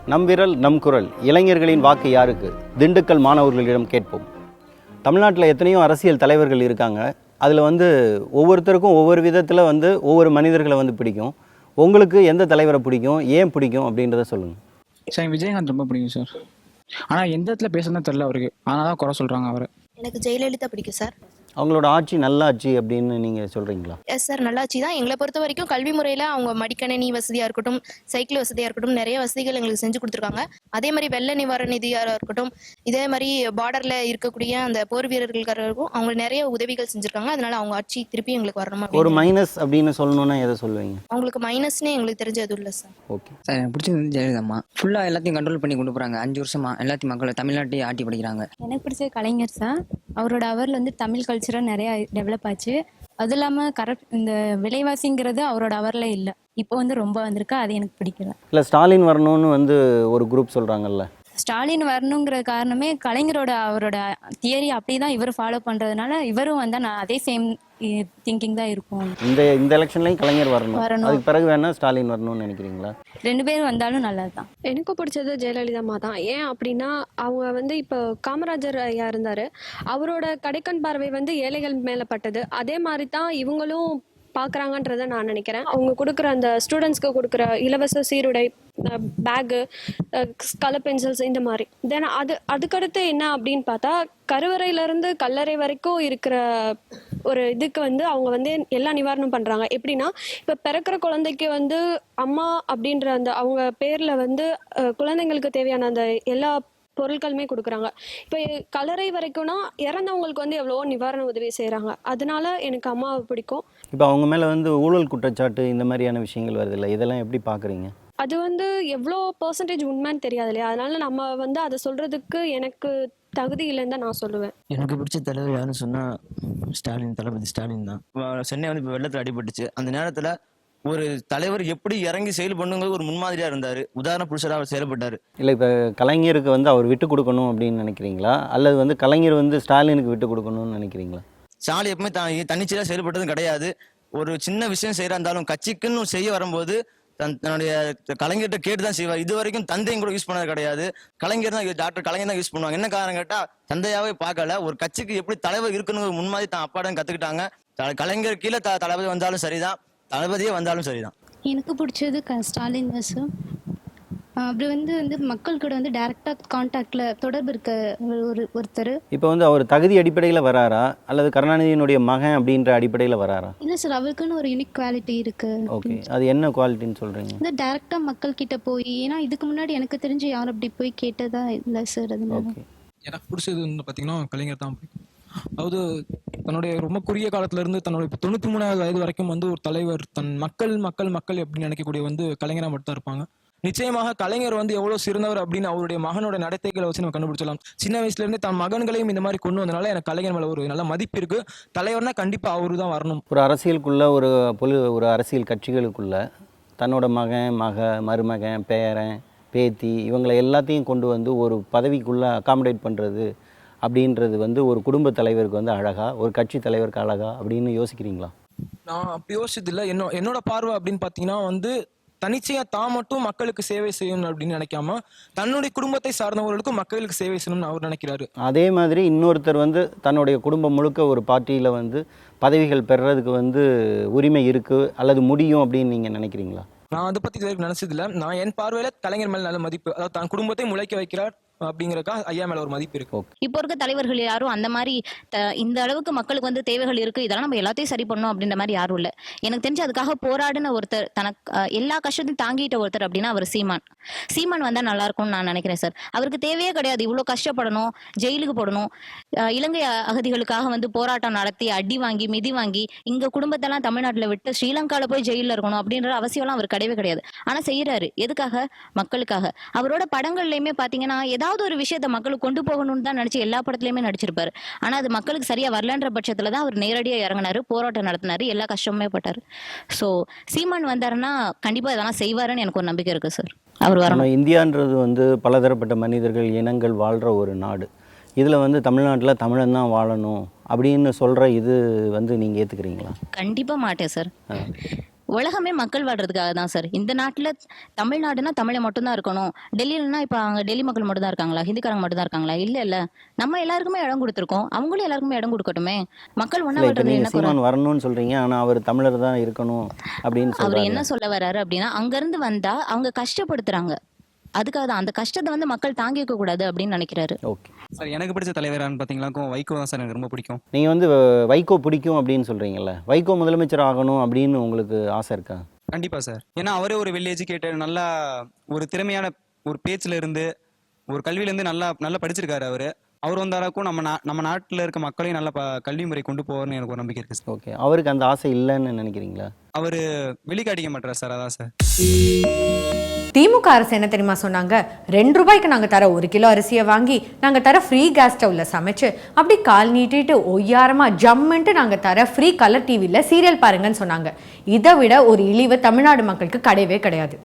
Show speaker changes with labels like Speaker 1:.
Speaker 1: நம் விரல் நம் குரல் இளைஞர்களின் வாக்கு யாருக்கு? திண்டுக்கல் மாணவர்களிடம் கேட்போம். தமிழ்நாட்டில் எத்தனையோ அரசியல் தலைவர்கள் இருக்காங்க. அதில் ஒவ்வொருத்தருக்கும் ஒவ்வொரு விதத்தில் ஒவ்வொரு மனிதர்களை பிடிக்கும். உங்களுக்கு எந்த தலைவரை பிடிக்கும், ஏன் பிடிக்கும் அப்படின்றத சொல்லுங்கள்.
Speaker 2: சார் எனக்கு விஜயகாந்த் ரொம்ப பிடிக்கும் சார். ஆனால் எந்த இடத்துல பேசுறதுன்னு தெரில அவருக்கு, ஆனால் தான் குறை சொல்கிறாங்க அவரை.
Speaker 3: எனக்கு ஜெயலலிதா பிடிக்கும் சார்.
Speaker 1: அவங்களோட ஆட்சி நல்ல ஆட்சி அப்படின்னு நீங்கள் சொல்கிறீங்களா?
Speaker 3: எஸ் சார், நல்லாட்சி தான். எங்களை பொறுத்த வரைக்கும் கல்வி முறையில் அவங்க மடிக்கணினி வசதியாக இருக்கட்டும், சைக்கிள் வசதியாக இருக்கட்டும், நிறைய வசதிகள் எங்களுக்கு செஞ்சு கொடுத்துருக்காங்க. அதே மாதிரி வெள்ள நிவாரண நிதியாக இருக்கட்டும், இதே மாதிரி பார்டரில் இருக்கக்கூடிய அந்த போர் வீரர்களுக்கும் அவங்க நிறைய உதவிகள் செஞ்சுருக்காங்க. அதனால அவங்க ஆட்சி திருப்பி எங்களுக்கு வரணும்.
Speaker 1: ஒரு மைனஸ் அப்படின்னு சொல்லணும்னா எதை சொல்லுவீங்க?
Speaker 3: அவங்களுக்கு மைனஸ்னே எங்களுக்கு தெரிஞ்ச எதுவும் இல்லை சார்.
Speaker 1: ஓகே
Speaker 4: சார், எனக்கு பிடிச்சது ஜெயலலிதாம்மா. ஃபுல்லாக எல்லாத்தையும் கண்ட்ரோல் பண்ணி கொண்டு போகிறாங்க. 5 வருஷமா எல்லாத்தையும் மக்களை தமிழ்நாட்டையும் ஆட்டி படிக்கிறாங்க.
Speaker 5: எனக்கு பிடிச்ச கலைஞர் சார். அவரோட அவரில் தமிழ் கல்ச்சராக நிறையா டெவலப் ஆச்சு. அது இல்லாமல் இந்த விலைவாசிங்கிறது அவரோட அவரில் இல்லை, இப்போ ரொம்ப வந்திருக்கு. அது எனக்கு பிடிக்கல.
Speaker 1: இல்லை, ஸ்டாலின் வரணும்னு ஒரு குரூப் சொல்கிறாங்கல்ல.
Speaker 5: ஸ்டாலின் வரணுங்கிற காரணமே கலைஞரோட அவரோட தியரி அப்படி தான் இவர் ஃபாலோ பண்ணுறதுனால இவரும் நான் அதே சேம் திங்கிங் தான் இருக்கும்.
Speaker 1: இந்த எலெக்ஷன்லையும் கலைஞர் வரணும். அதுக்கு பிறகு வேணா ஸ்டாலின் வரணும்னு நினைக்கிறீங்களா?
Speaker 5: 2 பேரும் வந்தாலும் நல்லது தான்.
Speaker 6: எனக்கு பிடிச்சது ஜெயலலிதாம்மா தான். ஏன் அப்படின்னா அவங்க இப்போ காமராஜர் ஐயா இருந்தார், அவரோட கடைக்கண் பார்வை ஏழைகள் மேலே பட்டது. அதே மாதிரி தான் இவங்களும் பார்க்குறாங்கன்றதை நான் நினைக்கிறேன். அவங்க கொடுக்குற அந்த ஸ்டூடெண்ட்ஸ்க்கு கொடுக்குற இலவச சீருடை, பேகு, கலர் பென்சில்ஸ், இந்த மாதிரி. தென் அதுக்கடுத்து என்ன அப்படின்னு பார்த்தா, கருவறையிலேருந்து கல்லறை வரைக்கும் இருக்கிற ஒரு இதுக்கு அவங்க எல்லா நிவாரணம் பண்ணுறாங்க. எப்படின்னா, இப்போ பிறக்கிற குழந்தைக்கு அம்மா அப்படின்ற அந்த அவங்க பேரில் குழந்தைங்களுக்கு தேவையான அந்த எல்லா பொருட்களுமே கொடுக்குறாங்க. இப்போ கல்லறை வரைக்கும்னா இறந்தவங்களுக்கு எவ்வளவோ நிவாரண உதவி செய்கிறாங்க. அதனால எனக்கு அம்மாவை பிடிக்கும்.
Speaker 1: இப்போ அவங்க மேலே ஊழல் குற்றச்சாட்டு இந்த மாதிரியான விஷயங்கள் வருது இல்லை, இதெல்லாம் எப்படி பார்க்குறீங்க?
Speaker 6: அது எவ்வளோ பர்சன்டேஜ் உண்மைன்னு தெரியாது இல்லையா? அதனால நம்ம அதை சொல்கிறதுக்கு எனக்கு தகுதி இல்லைன்னு தான் நான் சொல்லுவேன்.
Speaker 4: எனக்கு பிடிச்ச தலைவர் யாருன்னு சொன்னால் ஸ்டாலின், தளபதி ஸ்டாலின் தான். சென்னை இப்போ வெள்ளத்தில் அடிபட்டுச்சு. அந்த நேரத்தில் ஒரு தலைவர் எப்படி இறங்கி செயல்பண்ணுங்கிறது ஒரு முன்மாதிரியாக இருந்தார். உதாரண புருஷராக அவர் செயல்பட்டார்.
Speaker 1: இல்லை, இப்போ கலைஞருக்கு அவர் விட்டு கொடுக்கணும் அப்படின்னு நினைக்கிறீங்களா, அல்லது கலைஞர் ஸ்டாலினுக்கு விட்டு கொடுக்கணும்னு நினைக்கிறீங்களா?
Speaker 4: ஸ்டாலின் எப்பவுமே தன்னிச்சையாக செயல்பட்டதும் கிடையாது. ஒரு சின்ன விஷயம் செய்கிறா இருந்தாலும் கட்சிக்குன்னு செய்ய வரும்போது தன்னுடைய கலைஞர்கிட்ட கேட்டு தான் செய்வார். இது வரைக்கும் தந்தையும் கூட யூஸ் பண்ணது கிடையாது. கலைஞர் தான், டாக்டர் கலைஞர் தான் யூஸ் பண்ணுவாங்க. என்ன காரணம் கேட்டால், தந்தையாவே பார்க்கல. ஒரு கட்சிக்கு எப்படி தலைவர் இருக்குன்னு முன்மாதிரி தான் அப்பாடம் கற்றுக்கிட்டாங்க. கலைஞர் கீழே தளபதி வந்தாலும் சரிதான், தளபதியே வந்தாலும் சரிதான்.
Speaker 7: எனக்கு பிடிச்சது ஸ்டாலின் தான் சார். அப்படி மக்கள் கூட டைரக்டாக கான்டாக்டில் தொடர்பு இருக்க ஒருத்தர்.
Speaker 1: இப்போ அவர் தகுதி அடிப்படையில் வராரா, அல்லது கருணாநிதியினுடைய மகன் அப்படின்ற அடிப்படையில் வராரா?
Speaker 7: இல்லை சார், அவருக்குன்னு ஒரு யூனிக் குவாலிட்டி இருக்குது.
Speaker 1: ஓகே, அது என்ன குவாலிட்டின்னு சொல்கிறீங்க?
Speaker 7: டைரக்டாக மக்கள் கிட்ட போய், ஏன்னா இதுக்கு முன்னாடி எனக்கு தெரிஞ்சு யாரும் அப்படி போய் கேட்டதா இல்லை சார். அதனால
Speaker 2: எனக்கு பிடிச்சது பார்த்தீங்கன்னா கலைஞர் தான் பிடிக்கும். அதாவது தன்னுடைய ரொம்ப குறுகிய காலத்துல இருந்து தன்னுடைய 93வது வயது வரைக்கும் ஒரு தலைவர் தன் மக்கள் மக்கள் மக்கள் எப்படி நினைக்கக்கூடிய கலைஞராக மட்டும் தான் இருப்பாங்க. நிச்சயமாக கலைஞர் எவ்வளவு சிறந்தவர் அப்படின்னு அவருடைய மகனோட நடத்தைகளை வச்சு நம்ம கண்டுபிடிச்சலாம். சின்ன வயசுல இருந்து தன் மகன்களையும் இந்த மாதிரி கொண்டு வந்தனால எனக்கு கலைஞர் மேல ஒரு நல்ல மதிப்பு இருக்கு. தலைவர்னா கண்டிப்பா அவரு தான் வரணும்.
Speaker 1: ஒரு அரசியலுக்குள்ள ஒரு அரசியல் கட்சிகளுக்குள்ள தன்னோட மகன், மருமகன், பேரன், பேத்தி இவங்களை எல்லாத்தையும் கொண்டு ஒரு பதவிக்குள்ள அகாமடேட் பண்றது அப்படின்றது ஒரு குடும்ப தலைவருக்கு அழகா, ஒரு கட்சி தலைவருக்கு அழகா அப்படின்னு யோசிக்கிறீங்களா?
Speaker 2: நான் அப்படி யோசிச்சது இல்லை. என்னோட பார்வை அப்படின்னு பார்த்தீங்கன்னா தனிச்சையா தான் மட்டும் மக்களுக்கு சேவை செய்யணும் அப்படின்னு நினைக்காம தன்னுடைய குடும்பத்தை சார்ந்தவர்களுக்கும் மக்களுக்கு சேவை செய்யணும்னு அவர் நினைக்கிறாரு.
Speaker 1: அதே மாதிரி இன்னொருத்தர் தன்னுடைய குடும்பம் முழுக்க ஒரு பார்ட்டியில் பதவிகள் பெறுறதுக்கு உரிமை இருக்கு அல்லது முடியும் அப்படின்னு நீங்க நினைக்கிறீங்களா?
Speaker 2: நான் அதை பத்தி நினைச்சது இல்லை. நான் என் பார்வையில கலைஞர் மேல நல்ல மதிப்பு, அதாவது தன் குடும்பத்தை முளைக்க வைக்கிறார் அப்படிங்கறக்கா ஐயா மேல ஒரு மதிப்பு இருக்கு.
Speaker 8: இப்போ இருக்க தலைவர்கள் யாரும் அந்த மாதிரி இந்த அளவுக்கு மக்களுக்கு தேவைகள் இருக்கு, இதெல்லாம் நம்ம எல்லாத்தையும் சரி பண்ணணும் அப்படின்ற மாதிரி யாரும் இல்லை. எனக்கு தெரிஞ்சு அதுக்காக போராடின ஒருத்தர், தனக்கு எல்லா கஷ்டத்தையும் தாங்கிட்ட ஒருத்தர் அப்படின்னா அவர் சீமான் வந்தா நல்லா இருக்கும்னு நான் நினைக்கிறேன் சார். அவருக்கு தேவையே கிடையாது இவ்வளவு கஷ்டப்படணும், ஜெயிலுக்கு போடணும், இலங்கை அகதிகளுக்காக போராட்டம் நடத்தி அடி வாங்கி மிதி வாங்கி இங்க குடும்பத்தெல்லாம் தமிழ்நாட்டுல விட்டு ஸ்ரீலங்கால போய் ஜெயில இருக்கணும் அப்படின்ற அவசியம்லாம் அவர் கிடையவே கிடையாது. ஆனா செய்யறாரு எதுக்காக? மக்களுக்காக. அவரோட படங்கள்லயுமே பாத்தீங்கன்னா ஏதாவது ஒரு விஷயத்த மக்களுக்கு கொண்டு போகணும்னு தான் நினைச்சு எல்லா படத்துலயுமே நடிச்சிருப்பாரு. ஆனா அது மக்களுக்கு சரியா வரலன்ற பட்சத்துலதான் அவர் நேரடியா இறங்கினாரு, போராட்டம் நடத்தினாரு, எல்லா கஷ்டமுமே பட்டாரு. சோ சீமான் வந்தாருன்னா கண்டிப்பா இதெல்லாம் செய்வாருன்னு எனக்கு ஒரு நம்பிக்கை இருக்கு சார். அவர் வரணும்.
Speaker 1: இந்தியான்றது பலதரப்பட்ட மனிதர்கள், இனங்கள் வாழ்ற ஒரு நாடு. இதில் தமிழ்நாட்டில் தமிழன் தான் வாழணும் அப்படின்னு சொல்கிற இது நீங்கள் ஏற்றுக்கிறீங்களா?
Speaker 8: கண்டிப்பாக மாட்டேன் சார். உலகமே மக்கள் வாழ்றதுக்காக தான் சார். இந்த நாட்டுல தமிழ்நாடுனா தமிழை மட்டும்தான் இருக்கணும், டெல்லியிலனா இப்ப அங்க டெல்லி மக்கள் மட்டும் தான் இருக்காங்களா, ஹிந்திக்காரங்க மட்டும் தான் இருக்காங்களா? இல்ல நம்ம எல்லாருக்குமே இடம் கொடுத்துருக்கோம், அவங்களும் எல்லாருக்குமே இடம் கொடுக்கட்டுமே. மக்கள் ஒண்ணா
Speaker 1: இல்லை, இப்போ
Speaker 8: வாழ்றது
Speaker 1: நீங்கள்
Speaker 8: என்ன குறை?
Speaker 1: சீமான் வரணும்னு சொல்கிறீங்க, ஆனால் அவர் தமிழர் தான் இருக்கணும் அப்படின்னு
Speaker 8: அவர்
Speaker 1: சொல்கிறாரு.
Speaker 8: என்ன சொல்ல வர்றாரு அப்படின்னா, அங்க இருந்து வந்தா அவங்க கஷ்டப்படுத்துறாங்க, அதுக்காக தான் அந்த கஷ்டத்தை வந்து மக்கள் தாங்கிக்க கூடாது அப்படின்னு நினைக்கிறாரு.
Speaker 1: ஓகே,
Speaker 2: சார் எனக்கு பிடிச்ச தலைவரான்னு பார்த்தீங்களா வைகோ தான் சார் எனக்கு ரொம்ப பிடிக்கும்.
Speaker 1: நீங்கள் வந்து வைகோ பிடிக்கும் அப்படின்னு சொல்கிறீங்கல்ல, வைகோ முதலமைச்சர் ஆகணும் அப்படின்னு உங்களுக்கு ஆசை இருக்கா?
Speaker 2: கண்டிப்பா சார். ஏன்னா அவரே ஒரு வெல் எஜுகேட்டட், நல்லா ஒரு திறமையான ஒரு பேச்சுல இருந்து ஒரு கல்வியில இருந்து நல்லா படிச்சிருக்காரு அவரு. அவர் வந்தாராக்கும் நம்ம நாட்டுல இருக்க மக்களையும் நல்ல கல்வி முறை கொண்டு போவார்னு எனக்கு ஒரு நம்பிக்கை இருக்கு சார்.
Speaker 1: ஓகே, அவருக்கு அந்த ஆசை இல்லைன்னு நினைக்கிறீங்களா?
Speaker 2: அவரு வெளிக்காட்டிக்க மாட்டார் சார், அதான் சார்.
Speaker 9: திமுக அரசு என்ன தெரியுமா சொன்னாங்க? 2 ரூபாய்க்கு நாங்கள் தர 1 கிலோ அரிசியை வாங்கி நாங்கள் தர ஃப்ரீ கேஸ் ஸ்டவ்ல சமைச்சு அப்படி கால் நீட்டிட்டு ஒய்யாரமாக ஜம்மென்ட்டு நாங்கள் தர ஃப்ரீ கலர் டிவியில் சீரியல் பாருங்கன்னு சொன்னாங்க. இதை விட ஒரு இழிவு தமிழ்நாடு மக்களுக்கு கிடையவே கிடையாது.